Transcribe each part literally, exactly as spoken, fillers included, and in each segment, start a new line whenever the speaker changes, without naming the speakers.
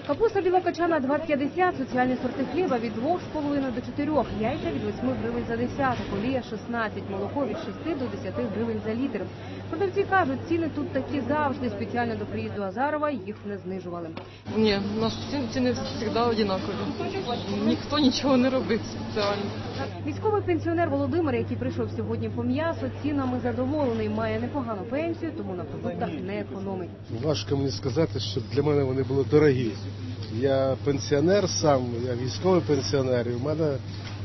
Капуста білокачана два п'ятдесят, соціальні сорти хліба від двох з половиною до чотирьох, яйця від восьми гривень за десяток, олія шістнадцять, молоко від шести до десяти гривень за літр. Продавці кажуть, ціни тут такі завжди, спеціально до приїзду Азарова їх не знижували.
Ні, наші ціни завжди однакові. Ніхто нічого не робить спеціально.
Військовий пенсіонер Володимир, який прийшов сьогодні по м'ясо, цінами задоволений, має непогану пенсію, тому на продуктах не економить.
Важко мені сказати, що для мене вони були дорогі. Я пенсіонер сам, я військовий пенсіонер, і в мене,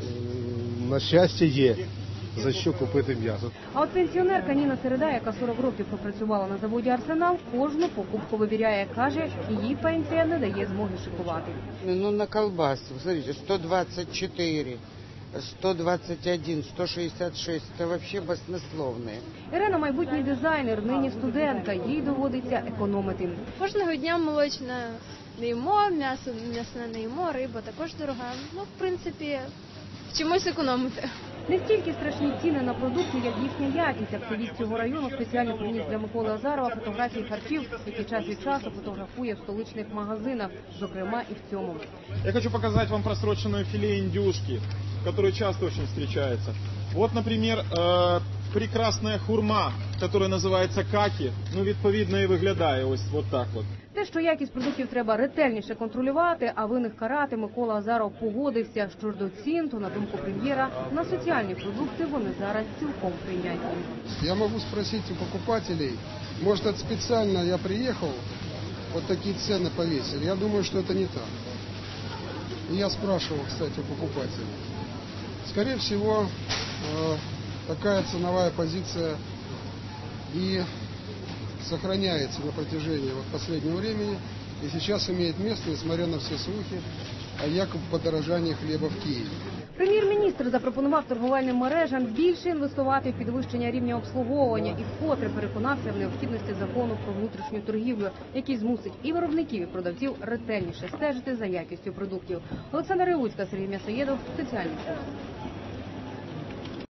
на щастя, є за що купити м'ясо.
А от пенсіонерка Ніна Середа, яка сорок років пропрацювала на заводі «Арсенал», кожну покупку вибирає. Каже, її пенсія не дає змоги шикувати.
Ну, на колбасу, смотрите, сто двадцать четыре, сто двадцать один, сто шестьдесят шесть, це взагалі баснословне.
Ірина – майбутній дизайнер, нині студентка, їй доводиться економити.
Кожного дня молочне не їмо, м'ясо м'ясне не їмо, риба також дорога. Ну, в принципі, чомусь економити.
Не стільки страшні ціни на продукти, як їхня якість. Активіст цього району спеціально приніс для Миколи Азарова фотографії харчів, які час від часу фотографує в столичних магазинах, зокрема і в цьому.
Я хочу показать вам просроченное филе индюшки, которое часто очень встречается. Вот, например, э, прекрасная хурма, которая называется каки, ну, відповідно, і виглядає ось вот так вот.
Те, що якість продуктів треба ретельніше контролювати, а винних карати, Микола Азаров погодився. Що ж до цін, то, на думку прем'єра, на соціальні продукти вони зараз цілком прийнятні.
Я можу спросити у покупателей, може, це спеціально я приїхав, от такі ціни повісили. Я думаю, що це не так. И я спрашивал, кстати, у покупателей. Скорее всего, такая ценовая позиция и сохраняется на протяжении вот последнего времени. И сейчас имеет место, несмотря на все слухи о якобы подорожании хлеба в Киеве.
Прем'єр-міністр запропонував торговельним мережам більше інвестувати в підвищення рівня обслуговування і вкотре переконався в необхідності закону про внутрішню торгівлю, який змусить і виробників, і продавців ретельніше стежити за якістю продуктів. Олександра Ревуцька, Сергій М'ясоєдов, спеціальний час.